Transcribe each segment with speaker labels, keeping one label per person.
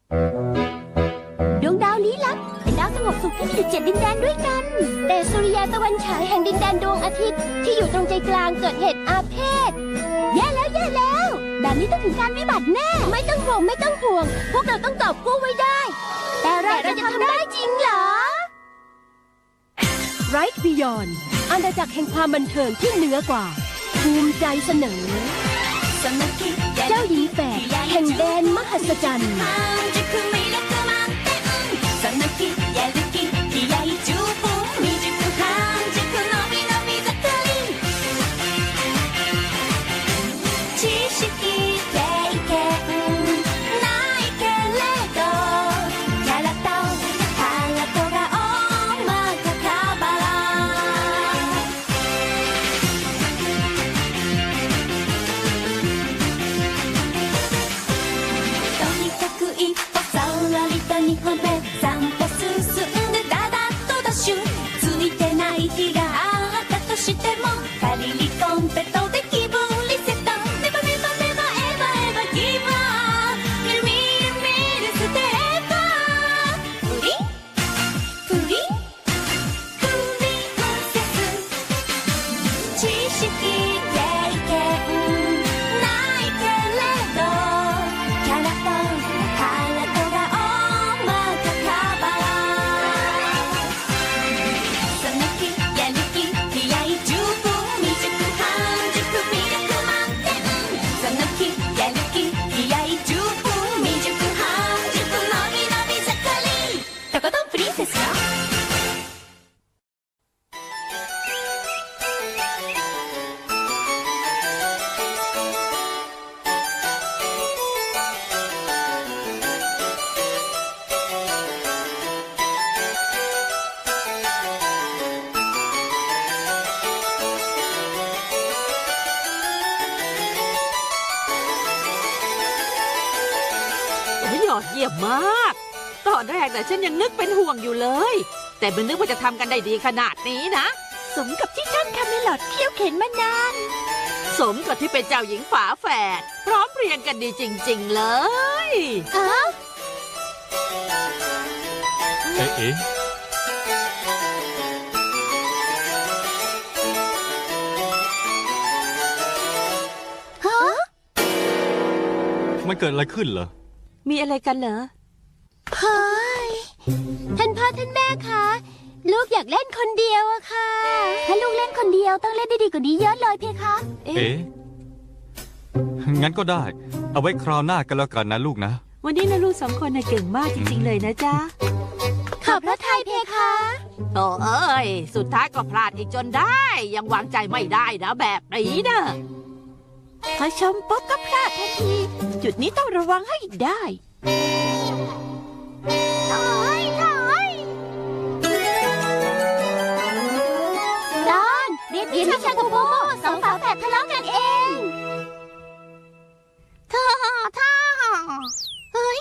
Speaker 1: ดวงดาวลี้ลับเป็นดาวสงบสุขที่มีอยู่7 ดินแดนด้วยกันแต่สุริยาตะวันฉายแห่งดินแดนดวงอาทิตย์ที่อยู่ตรงใจกลางเกิดเหตุอาเพศแย่แล้วแบบนี้ต้องถึงการวิบัติแน่ไม่ต้องห่วงพวกเราต้องกอบกู้ไว้ได้แต่เราจะทำได้จริงเหรอ Right Beyond อาณาจักรแห่งความบันเทิงที่เหนือกว่าภูมิใจเสนอเจ้าหญิงแฝดแห่งแดนมหัศจรรย์
Speaker 2: ยอดเยี่ยมมากตอนแรกแต่ฉันยังนึกเป็นห่วงอยู่เลยแต่ไม่นึกว่าจะทำกันได้ดีขนาดนี้นะ
Speaker 1: สมกับที่ท่านคาเมลอดเคี่ยวเข็นมานาน
Speaker 2: สมกับที่เป็นเจ้าหญิงฝาแฝดพร้อมเพรียงกันดีจริงๆเลย
Speaker 1: ฮะ
Speaker 3: เอ๊ะมันเกิดอะไรขึ้นเหรอ
Speaker 2: มีอะไรกันเหรอ
Speaker 1: เฮ้ยท่านพ่อท่านแม่คะลูกอยากเล่นคนเดียวอะค่ะถ้าลูกเล่นคนเดียวต้องเล่นได้ดีกว่านี้เยอะเลยเพคะ
Speaker 3: เอ๊ะงั้นก็ได้เอาไว้คราวหน้ากันแล้วกันนะลูกนะ
Speaker 2: วันนี้นะลูก2 คนน่ะเก่งมากจริงๆเลยนะจ๊ะ
Speaker 1: ขอบพระทัยเพคะ
Speaker 2: โอ้เอ้ยสุดท้ายก็พลาดอีกจนได้ยังวางใจไม่ได้นะแบบนี้นะ
Speaker 1: พอชมปุ๊บก็พลาดทันทีจุดนี้ต้องระวังให้ได้ถอยดอนเรียนวิชากับโมสองฝาแฝดทะเลาะกันเองท่าเฮ้ย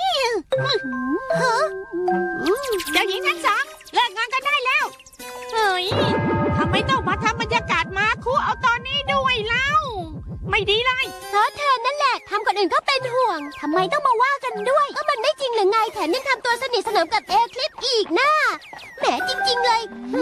Speaker 2: เจ้าหญิงทั้งสองเลิกงานกันได้แล้วเฮ้ยทำไมต้องมาทำบรรยากาศมาคุเอาตอนนี้ด้วยเล่าไม่ดีเลย
Speaker 1: เพราะเธอนั่นแหละทำคนอื่นก็เป็นห่วงทำไมต้องมาว่ากันด้วยก็มันไม่จริงหรือไงแถมยังทำตัวสนิทสนมกับเอคลิปอีกนะแหมจริงๆเลย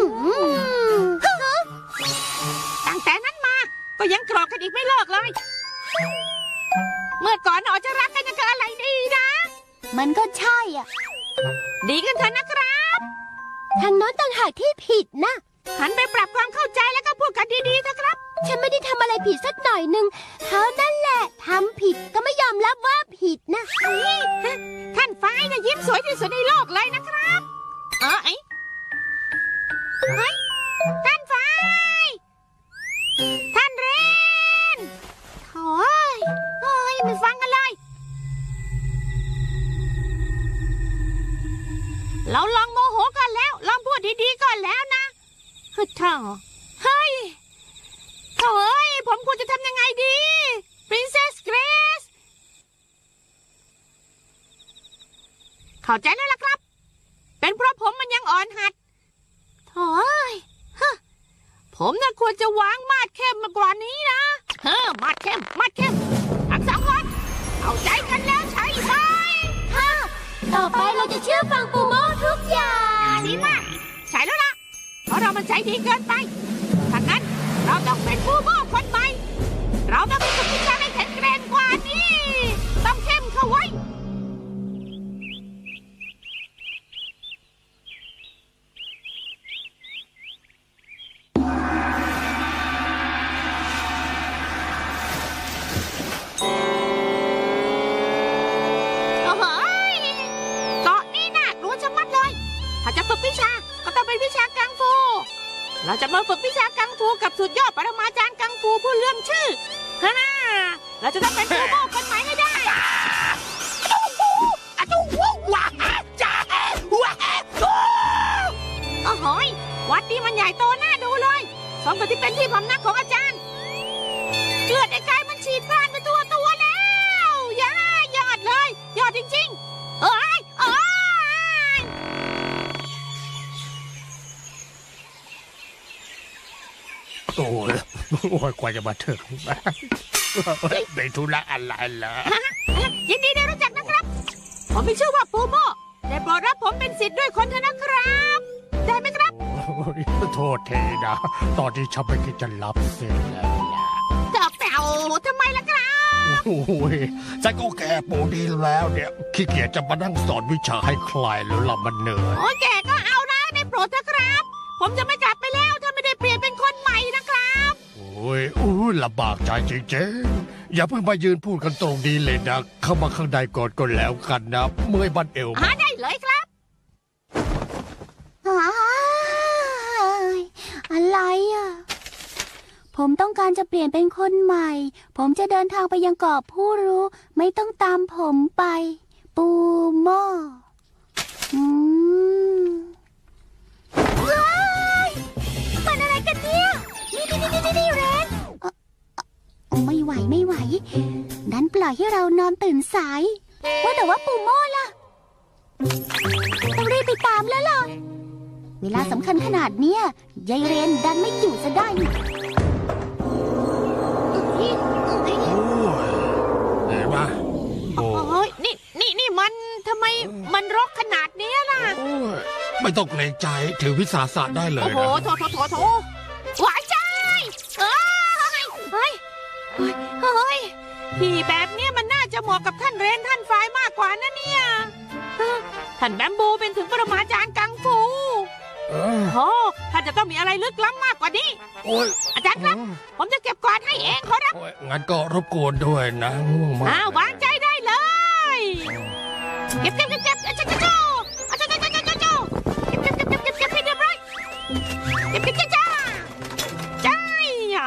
Speaker 2: ตั้งแต่นั้นมาก็ยังโกรธกันอีกไม่เลิกเลยเมื่อก่อนจะรักกันยังกับอะไรดีนะ
Speaker 1: มันก็ใช่อ่ะ
Speaker 2: ดีกันเถอะนะครับ
Speaker 1: ทางโน้นต่างหากที่ผิดนะ
Speaker 2: หันไปปรับความเข้าใจแล้วก็พูดกันดีๆเถอะครับ
Speaker 1: ฉันไม่ได้ทำอะไรผิดสักหน่อยนึงเขานั่นแหละทำผิดก็ไม่ยอมรับว่าผิดนะ
Speaker 2: ท่านฟ้ายนะยิ้มสวยที่สุดในโลกเลยนะครับท่านฟ้ายท่านเรนโอ้ยไม่ฟังกันเลยเราลองโมโหกันแล้วลองพูดดีๆก่อนแล้วนะเฮ้ยผมควรจะทำยังไงดี Princess Grace เข้าใจแล้วล่ะครับเป็นเพราะผมมันยังอ่อนหัดผมน่ะควรจะวางมาดเข้มมากว่านี้นะมาดเข้มทั้ง2 คนเข้าใจกันแล้วใช่ไหม
Speaker 1: ต่อไปเราจะเชื่อฟังปูโม่ทุกอย่าง
Speaker 2: ดีมากใช่แล้วล่ะเพราะเรามันใจดีเกินไปถ้างั้นเราต้องเป็นผู้โม่คนใหม่เราต้องมีสุขภาพให้แข็งแรงกว่านี้ต้องเข้มเข้าไว้ โอ้โหเกาะนี่น่ากลัวชะมัดเลย ถ้าจะฝึกวิชา ก็ต้องเป็นวิชากังฟู เราจะมาฝึกวิชากังฟูกับสุดยอดปรมาจารย์กังฟูผู้เลื่อมชื่อฮ่าเราจะต้องเป็นผู้โม่คนใหม่ให้ได้ โอ้โหวัดนี้มันใหญ่โตน่าดูเลยสมกับที่เป็นที่พำนักของอาจารย์เลือดในกายมันฉีดพล่านไปทั่วตัวแล้วยอดเลย ยอดจริงๆเอ้ย
Speaker 4: โอ้ยกว่าจะมาถึงในธุระอะไรล่ะ
Speaker 2: ยินดีได้รู้จักนะครับ ผมมีชื่อว่าปูโม่ได้โปรดรับผมเป็นศิษย์ด้วยคนเถอะนะครับ ได้ไหมครับ
Speaker 4: โทษทีนะ ตอนที่ฉันไม่คิดจะรับเสร็จแล้วล่ะ
Speaker 2: จะแปลวทำไมล่ะครับ
Speaker 4: โอ้ยฉันก็แก่ปูดีแล้วเนี่ยขี้เกียจจะมานั่งสอนวิชาให้ใครแล้วล่ะมันเหนื่อย
Speaker 2: โอ้ยแกก็เอานะได้โปรดเถอะครับ ผมจะไม่กลับไปแล้วถ้าไม่ได้เปลี่ยนเป็นคนใหม่นะครับ
Speaker 4: โอ้ยลำบากใจจริงๆอย่าเพิ่งมายืนพูดกันตรงนี้เลยนะ เข้ามาข้างในก่อนก็แล้วกันนะ เมื่อยบันเอว
Speaker 2: ได้เลยครับ
Speaker 1: อะไรอ่ะ ผมต้องการจะเปลี่ยนเป็นคนใหม่ ผมจะเดินทางไปยังเกาะผู้รู้ ไม่ต้องตามผมไป ปูโม่ว้ายมันอะไรกันเนี่ย นี่เรนไม่ไหว ดันปล่อยให้เรานอนตื่นสาย ว่าแต่ว่าปูโม่ล่ะ ต้องรีบไปตามแล้วล่ะ เวลาสำคัญขนาดเนี้ยยายเรนดันไม่อยู่ซะได้นี่
Speaker 4: เห็นปะโอ้
Speaker 2: โอ้ยนี่มันทำไมมันรกขนาดเนี้ยล่ะ
Speaker 4: ยไม่ต้องเกรงใจถือวิสาสะได้เลย
Speaker 2: โอ้โห
Speaker 4: นะ
Speaker 2: โถหวายใจเฮ้ยที่แบบเนี้ยมันน่าจะเหมาะกับท่านเรนท่านฝ่ายมากกว่านะเนี่ยท่านแบมบูเป็นถึงปรมาจารย์กังฟู
Speaker 4: เออ
Speaker 2: โอ้ท่านจะต้องมีอะไรลึกล้ำมากกว่านี้
Speaker 4: โอ้ย
Speaker 2: อาจารย์ครับ ผมจะเก็บกวาดให้เองขอรับ
Speaker 4: โอ้ยงั้นก็รบกวนด้วยนะง่วงมาก
Speaker 2: วางใจได้เลย เก็บให้เรียบร้อยเก็บจ้าจ้า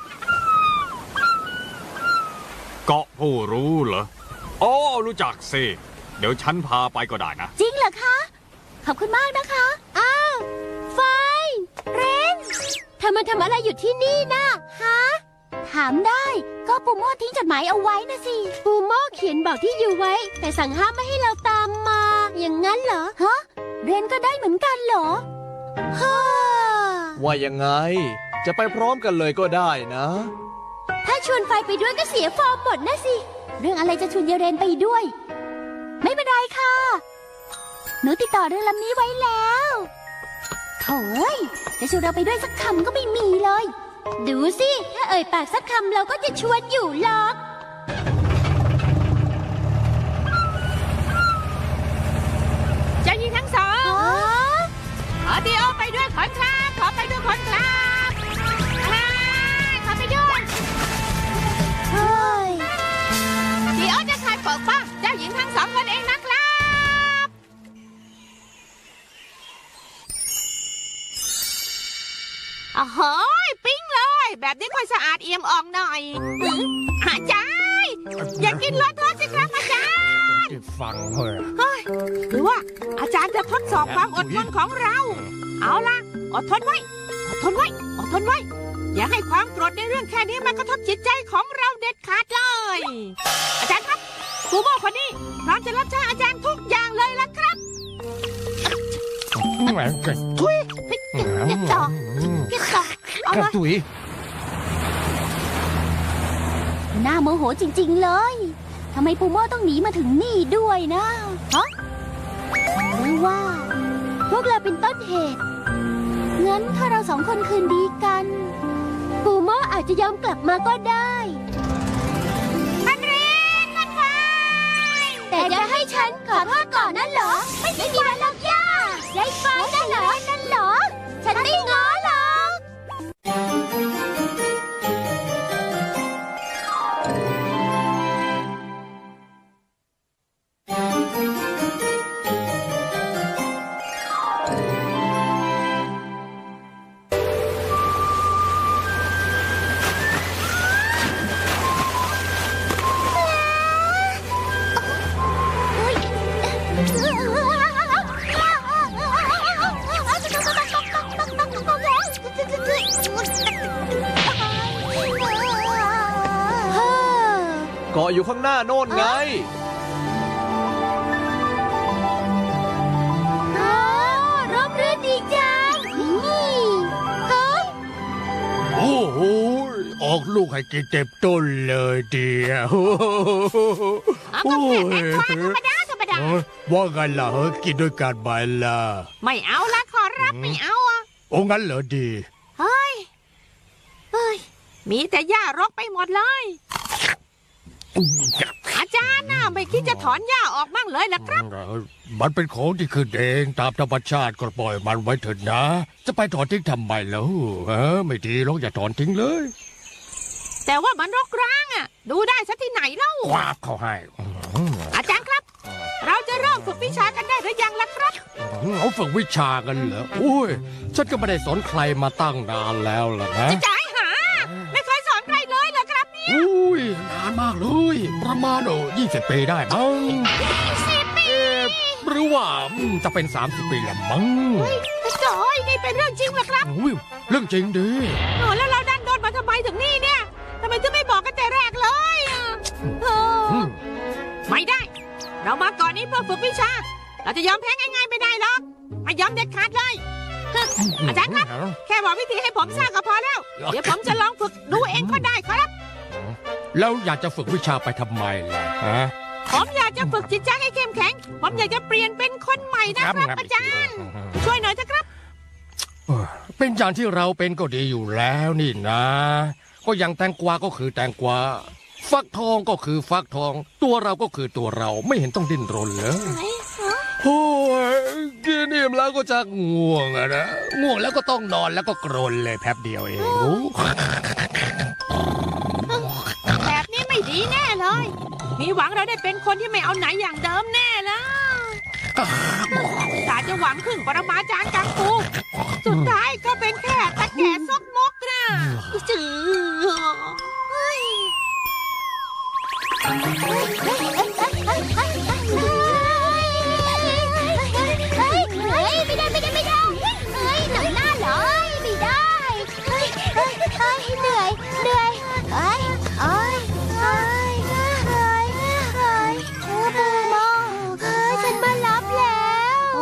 Speaker 3: เกาะผู้รู้เหรออ๋อรู้จักสิ เดี๋ยวฉันพาไปก็ได้นะ
Speaker 1: จริงเหรอคะ ขอบคุณมากนะคะ อ้าวไฟเรนเธอมาทำอะไรอยู่ที่นี่นะฮะ ถามได้ก็ปูโม่ทิ้งจดหมายเอาไว้นะสิ ปูโม่เขียนบอกที่อยู่ไว้ แต่สั่งห้ามไม่ให้เราตามมา อย่างนั้นเหรอ ฮะ เรนก็ได้เหมือนกันเหรอฮ่า
Speaker 5: ว่ายังไง จะไปพร้อมกันเลยก็ได้นะ
Speaker 1: ถ้าชวนไฟไปด้วยก็เสียฟอร์มหมดนะสิ เรื่องอะไรจะชวนยายเรนไปด้วย ไม่เป็นไรค่ะ หนูติดต่อเรือลำนี้ไว้แล้วโถ่เอ้ยจะชวนเราไปด้วยสักคำก็ไม่มีเลย ดูสิ ถ้าเอ่ยปากสักคำเราก็จะชวนอยู่หรอก
Speaker 2: เจ้าหญิงทั้งสองขอดีโอไปด้วยขอนครับขอไปด้วยขอนครับขอไปด้วย
Speaker 1: เฮ้ย
Speaker 2: ดีโอจะคอยปกป้องเจ้าหญิงทั้งสองคนเองนะครับโอ้โหปิ๊งเลย แบบนี้ค่อยสะอาดเอี่ยมอ่องหน่อยอาจารย์อย่ากินเลอะเทอะสิครับอาจารย์
Speaker 4: ที่ฟังเฮ้ย
Speaker 2: หรือว่าอาจารย์จะทดสอบความอดทนของเรา เอาล่ะ อดทนไว้ อย่าให้ความโกรธในเรื่องแค่นี้มันกระทบจิตใจของเราเด็ดขาดเลย อาจารย์ครับปูโม่คนนี้พร้อมจะรับใช้อาจารย์ทุกอย่างเลยล่ะครับ
Speaker 4: แหมเก่ง
Speaker 2: ทุยเก็บต่อเอาเลย
Speaker 4: ตุ๋ย
Speaker 1: น่าโมโหจริงๆเลย ทำไมปูโม่ต้องหนีมาถึงนี่ด้วยนะ ฮะว่า พวกเราเป็นต้นเหตุ งั้นถ้าเราสองคนคืนดีกัน ปูโม่อาจจะยอมกลับมาก็ได้แต่จะให้ฉันขอโทษก่อนนั่นเหรอ ไม่มีวันหรอกย่าไรฟ้านั่นเหรอ ฉันไม่ง้อหรอก
Speaker 5: เกาะอยู่ข้างหน้าโน่นไง
Speaker 1: ร่มรื่นดีจังนี่เฮ้ย
Speaker 4: โอ้โหออกลูกให้กินเต็มต้นเลยเดียว
Speaker 2: เอาก็แค่แตงกวาธรรมดาธรรมดา
Speaker 4: ว่าไงล่ะกินด้วยกันไหมล่ะ
Speaker 2: ไม่เอาละขอรับไม่เอาอ่ะ
Speaker 4: โอ้งั้นเหรอดี
Speaker 2: เฮ้ย มีแต่หญ้ารกไปหมดเลย อาจารย์น่ะไม่คิดจะถอนหญ้าออกบ้างเลยล่ะครับ
Speaker 4: มันเป็นของที่ขึ้นเองตามธรรมชาติก็ปล่อยมันไว้เถอะนะ จะไปถอนทิ้งทำไมแล้วไม่ดีหรอกอย่าถอนทิ้งเลย
Speaker 2: แต่ว่ามันรกร้างอ่ะ ดูได้ซะที่ไหนเล่า
Speaker 4: คว้าบเขาให้
Speaker 2: อาจารย์ครับ เราจะเริ่มฝึกวิชากันได้หรือยังล่ะครับ
Speaker 4: เอาฝึกวิชากันเหรอโอ้ยฉันก็ไม่ได้สอนใครมาตั้งนานแล้วล่ะนะ
Speaker 2: จะจ่ายหา ไม่เคยสอนใครเลยเหรอครับเนี่ย
Speaker 4: อุ้ยนานมากเลย ประมาณ20 ปีได้มั้ง
Speaker 2: 10 ปี
Speaker 4: หรือว่าจะเป็น30 ปีแล้วมั้ง
Speaker 2: จอยนี่เป็นเรื่องจริงเหรอครับ
Speaker 4: อุ้ยเรื่องจริงดิ
Speaker 2: แล้วเราดันโดนมาทำไมถึงนี่เนี่ยทำไมถึงไม่บอกกันแต่แรกเลยอ่ะเออไม่ได้ เรามาก่อนนี้เพื่อฝึกวิชา เราจะยอมแพ้ง่ายๆไม่ได้หรอกไม่ยอมเด็ดขาดเลย อาจารย์ครับ แค่บอกวิธีให้ผมทราบก็พอแล้ว เดี๋ยวผมจะลองฝึกดูเองก็ได้ครับ
Speaker 4: แล้วอยากจะฝึกวิชาไปทำไมล่ะฮะ
Speaker 2: ผมอยากจะฝึกจิตใจให้เข้มแข็ง ผมอยากจะเปลี่ยนเป็นคนใหม่นะครับอาจารย์ ช่วยหน่อยเถอะครับ
Speaker 4: เป็นอย่างที่เราเป็นก็ดีอยู่แล้วนี่นะ ก็อย่างแตงกวาก็คือแตงกวาฟักทองก็คือฟักทอง ตัวเราก็คือตัวเราไม่เห็นต้องดิ้นรนเลยโอ้ยกินอิ่มแล้วก็จะง่วงอะนะง่วงแล้วก็ต้องนอนแล้วก็กรนเลยแป๊บเดียวเองโอ้
Speaker 2: แบบนี้ไม่ดีแน่เลย มีหวังเราได้เป็นคนที่ไม่เอาไหนอย่างเดิมแน่เลยแต่จะหวังพึ่งปรมาจารย์กังฟู สุดท้ายก็เป็นแค่ตะแก่ซกมกนะจือ
Speaker 1: ไม่ได้หนังหน้าเลยไม่ได้เหนื่อยปูโม่ฉันมารับแล้ว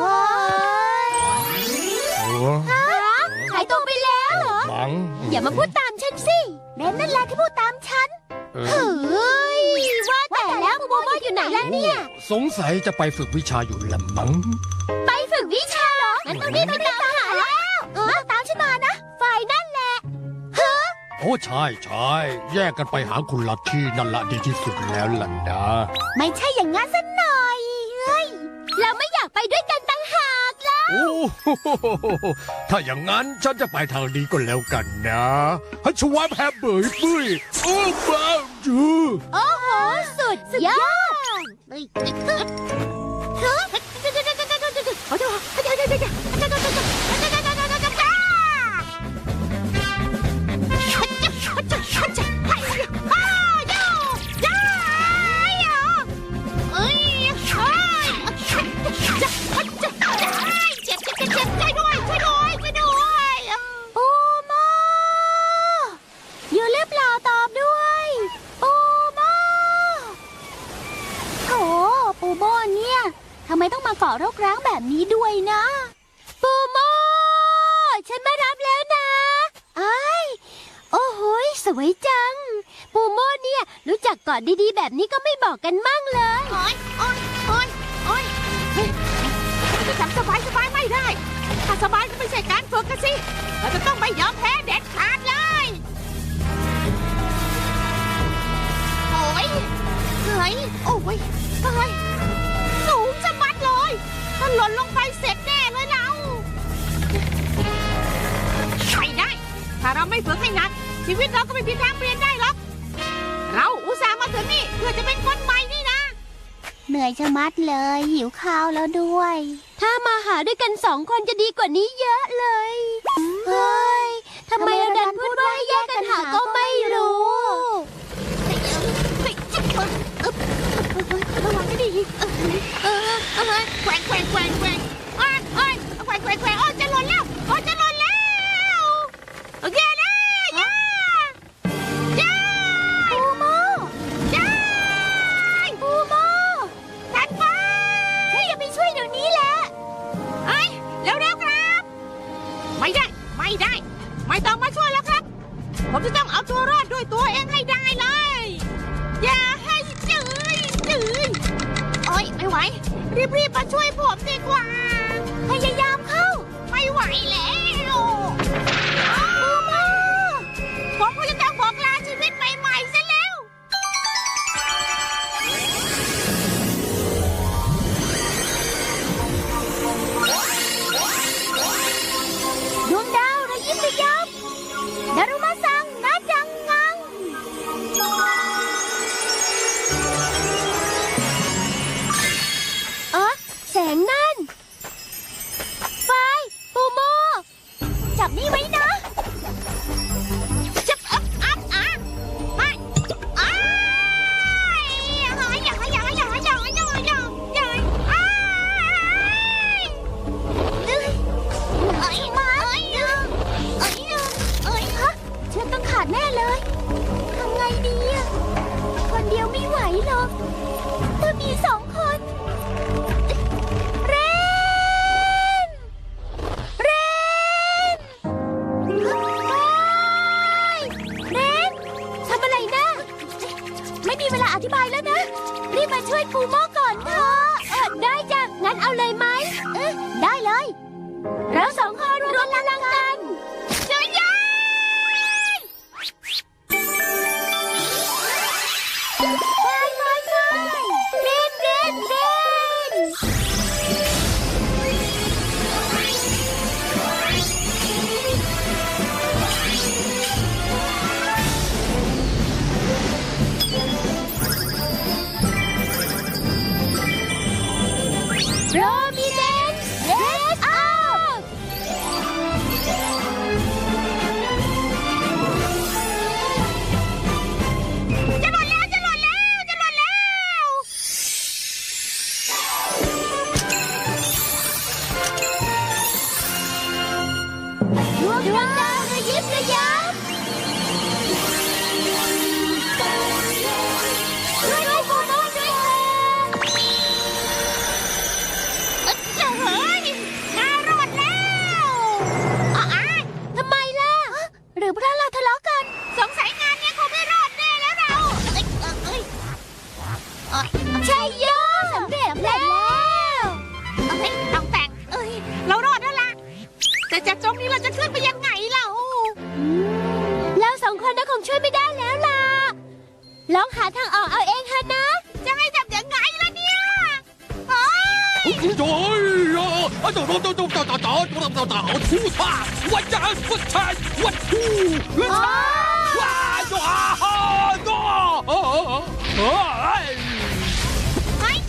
Speaker 1: หายตัวไปแล้วเหรอ
Speaker 4: มัง
Speaker 1: อย่ามาพูดตามฉันสิเบนนั่นแหละที่พูดตามฉันเฮ้ยว่าแต่แล้วปูโม่อยู่ไหนล่ะเนี่ย
Speaker 4: สงสัยจะไปฝึกวิชาอยู่ละมัง
Speaker 1: ไปฝึกวิชาเหรองั้นต้องรีบไปตามหาแล้วตามฉันมานะ ฝ่ายนั่นแหละ
Speaker 4: โอ้ใช่แยกกันไปหาคุณลัทธินั่นละดีที่สุดแล้วล่ะนะ
Speaker 1: ไม่ใช่อย่างงั้นสักหน่อยเฮ้ย เราไม่อยากไปด้วยกันต่างหากแล้ว
Speaker 4: โอ้โหถ้าอย่างนั้นฉันจะไปทางนี้ก็แล้วกันนะฮัชวาแพบเบยปุ้ยโอ้บ้าจู
Speaker 1: โอ้โห สุดยอด ปูโม่อยู่หรือเปล่าตอบด้วย ปูโม่โถปูโม่เนี่ยทำไมต้องมาเกาะรกร้างแบบนี้ด้วยนะ ปูโม่ฉันมารับแล้วนะไอ้ายโอ้โหยสวยจัง ปูโม่เนี่ยรู้จักเกาะดีๆแบบนี้ก็ไม่บอกกันมั่งเลย
Speaker 2: จะทำไม่ได้ ถ้าสบายก็ไม่ใช่การฝึกกันสิ เราจะต้องไม่ยอมแพ้เด็ดขาดเลย โอ้ยเฮ้ยโอ้ยเฮ้ยสูงจะมัดเลยถ้าหล่นลงไปเสร็จแน่เลยเราไม่ได้ ถ้าเราไม่ฝึกให้หนัก ชีวิตเราก็ไม่มีทางเปลี่ยนได้หรอก เราอุตส่าห์มาถึงนี่เพื่อจะเป็นคนใหม่นี่นะ
Speaker 1: เหนื่อยชะมัดเลย หิวข้าวแล้วด้วย ถ้ามาหาด้วยกัน2 คนจะดีกว่านี้เยอะเลย เฮ้ยทำไมเราดันพูดว่าให้แยกกันหาก็ไม่รู้
Speaker 2: ระวังให้ดีแกว่งแกว่งแกว่งแกว่งแกว่งแกว่งแกว่งโอ้จะหล่นแล้วโอ้จะหล่นแล้วแย่แล้วย่า
Speaker 1: ปูโม
Speaker 2: ย่า
Speaker 1: ปูโม
Speaker 2: ทันไป
Speaker 1: เฮ้ยอย่าไปช่วยเดี๋ยวนี้แหละ
Speaker 2: เฮ้ยเร็วๆครับ ไม่ได้ ไม่ได้ ไม่ต้องมาช่วยแล้วครับ ผมจะต้องเอาตัวรอดด้วยตัวเองให้ได้เลย อย่าให้จืดโอ๊ยไม่ไหว รีบๆมาช่วยผมดีกว่า
Speaker 1: พยายามเข้า
Speaker 2: ไม่ไหวแล้วผมก็จะต้องบอกลาชีวิตใหม่ๆซะแล้ว
Speaker 1: ดวงดาวระยิบระยับดารุมาซังนาจังงังแสงนั่น ไฟ ปูโม จับนี่ไว้นะ
Speaker 2: จะไม่
Speaker 1: เชือกต้องขาดแน่เลย ทำไงดีอะคนเดียวไม่ไหวหรอกต้องมี2 คน เรน เรนโอ๊ยเรน ทำอะไรนะ ไม่มีเวลาอธิบายแล้วนะ รีบมาช่วยปูโม่ก่อนเถอะได้จ้ะ งั้นเอาเลยไหมได้เลย เรา2 คนรวมพลังกันช่วยยัไปเรน เรน เรน โรมิเนนเรสอัพ
Speaker 2: จะหล่นแล้วจะหล่นแล้วจะหล่นแล้ว
Speaker 1: ดวงดาวระยิบระยับช่วยปูโม่ด้วยค่ะ
Speaker 2: เฮ้ยน่ารอดแล้ว
Speaker 1: ทำไมล่ะ หรือเพราะเราทะเลาะกัน
Speaker 2: สงสัยงานเนี้ยคงไม่รอดแน่แล้วเรา
Speaker 1: ใช่โยสำเร็จแล้ว
Speaker 2: ต้องแต่งเรารอดแล้วล่ะ แต่จากตรงนี้เราจะขึ้นไปยังไงเรา
Speaker 1: เรา2 คนน่ะคงช่วยไม่ได้แล้วล่ะ ลองหาทางออกเอาเองเถอะนะ
Speaker 2: จะให้ทำยังไงล่ะเนี่ยเฮ้ย
Speaker 4: โอ้ย啊！走，出发！我家我才我出！哇哇啊！哎！
Speaker 2: เฮ้ย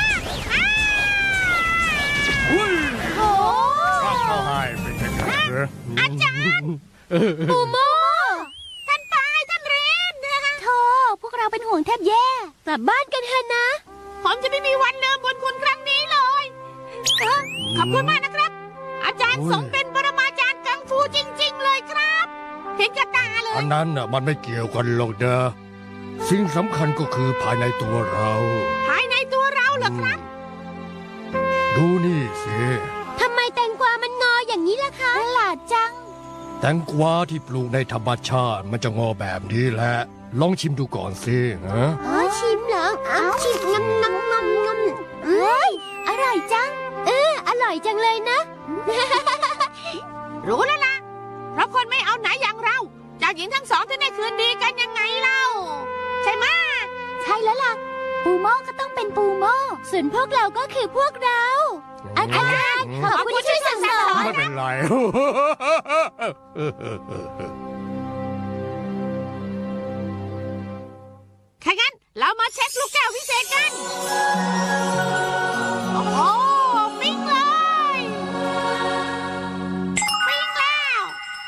Speaker 1: โอ้
Speaker 4: เข้าให้เป็นแค่เสือ
Speaker 2: อาจารย์
Speaker 1: ปูโม่
Speaker 2: ท่านปายท่านเรน
Speaker 1: โธ่พวกเราเป็นห่วงแทบแย่ กลับบ้านกันเถอะนะ
Speaker 2: ผมจะไม่มีวันลืมบุญคุณครั้งนี้เลย ขอบคุณมากนะครับ อาจารย์สมเป็นปรมาจารย์กังฟูจริง ๆ เลยครับเห็นกับตาเลย
Speaker 4: อันนั้นน่ะมันไม่เกี่ยวกันหรอกนะสิ่งสำคัญก็คือภายในตัวเรา
Speaker 2: ภายในตัวเราเหรอครับ
Speaker 4: ดูนี่สิ
Speaker 1: ทำไมแตงกวามันงออย่างนี้ล่ะคะประหลาดจัง
Speaker 4: แตงกวาที่ปลูกในธรรมชาติมันจะงอแบบนี้แหละ ลองชิมดูก่อนสิฮะ
Speaker 1: ชิมเหรอชิมงำเอ้ย อร่อยจัง อร่อยจังเลยนะ
Speaker 2: รู้แล้วล่ะ เพราะคนไม่เอาไหนอย่างเราเจ้าหญิงทั้งสองถึงได้คืนดีกันยังไงเล่า ใช่ไหมะ
Speaker 1: ใช่แล้วล่ะ ปูโม่ก็ต้องเป็นปูโม่ส่วนพวกเราก็คือพวกเรา อาจารย์ขอบคุณที่ช่วยสั่งสอน
Speaker 4: ไม่เป็นไร
Speaker 2: ถ้างั้นเรามาเช็คลูกแก้วพิเศษกัน โอ้โหปิ้งเลยปิ้งแล้ว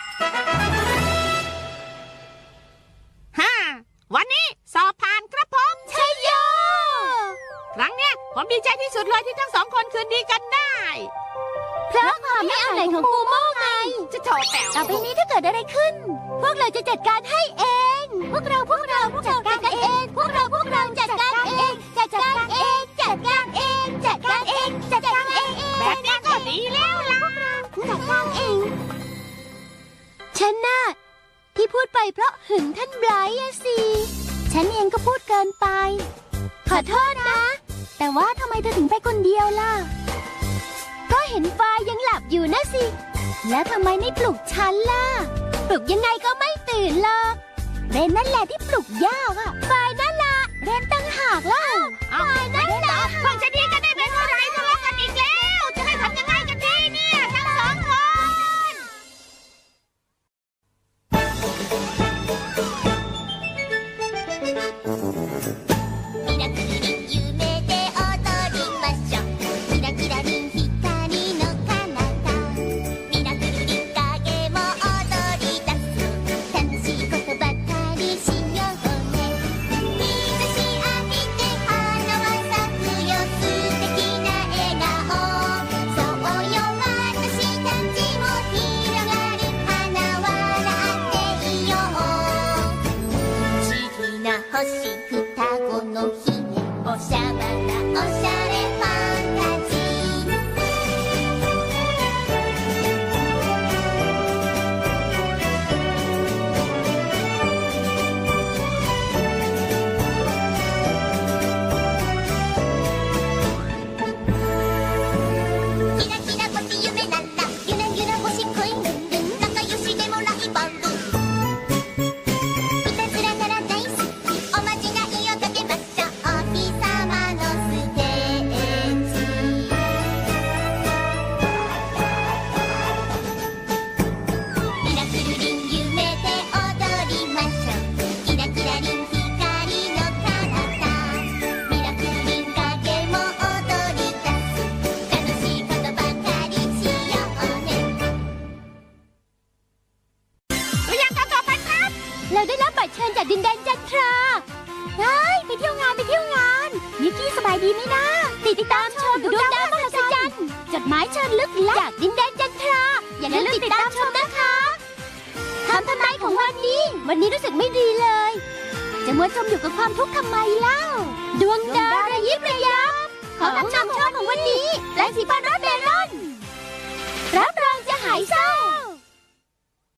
Speaker 2: ฮ่าวันนี้สอบผ่านครับผมชัยโยครั้งเนี้ยผมดีใจที่สุดเลยที่ทั้งสองคนคืนดีกันได้
Speaker 1: เพราะความไม่เอาไหนของปูโม่ไง
Speaker 2: จะโถแป๋ว
Speaker 1: ต่อไปนี้ถ้าเกิดอะไรขึ้น พวกเราจะจัดการให้เอง พวกเราจัดการเอง พวกเราจัดการเอง จัดการเอง จัดการเอง จัดการเอง จัดการเอง
Speaker 2: แบบนี้ก็ดีแล้วล่ะ
Speaker 1: จัดการเอง ฉันน่ะที่พูดไปเพราะหึงท่านไบรท์อะสิ ฉันเองก็พูดเกินไป ขอโทษนะ แต่ว่าทำไมเธอถึงไปคนเดียวล่ะ ก็เห็นฟ้ายังหลับอยู่นะสิ แล้วทำไมไม่ปลุกฉันล่ะ ปลุกยังไงก็ไม่ตื่นหรอกเรนนั่นแหละที่ปลุกยากอะฝ่ายนั่นล่ะเรนตั้งหากล่ะฝ่ายนั่นล่ะ
Speaker 2: เพิ่งจะดีกันได้เป็นเท่าไหรทะเลาะกันอีกแล้ว จะให้ทำยังไงกันดีเนี่ยทั้งสองคน
Speaker 6: ミラクルリン夢で踊りましょうキラキラリン光の彼方ミラクルリン影も踊り出す楽しいことばかりしようね日差し浴びて花は咲くよ素敵な笑顔そうよ私たちも広がる花笑っていよう不思議な星双子の姫おしゃばなおしゃれファンタジーキラキラ星夢ならゆらゆら星恋ルンルン仲良しでもライバルいたずらなら大好きおまじないをかけましょうお日様のステージミラクルリン夢で踊りましょうキラキラリン光の彼方ミラクルリン影も踊り出す楽しいことばかりしようね
Speaker 2: ตัวอย่างการต่อไปครับ
Speaker 1: เราได้รับบัตรเชิญจากดินแดนจันทราไปเที่ยวงานมิกกี้สบายดีไหมนะติดตามชมดวงดาวมหัศจรรย์จดหมายเชิญลึกลับจากดินแดนจันทรา อย่าลืมติดตามชมนะคะคำทำนายของวันนี้รู้สึกไม่ดีเลย จะมัวจมอยู่กับความทุกข์ทำไมเล่า ดวงดาวระยิบระยับของนำโชคของวันนี้และสีฟ้ารัดเมลอนรับรองจะหายเศร้า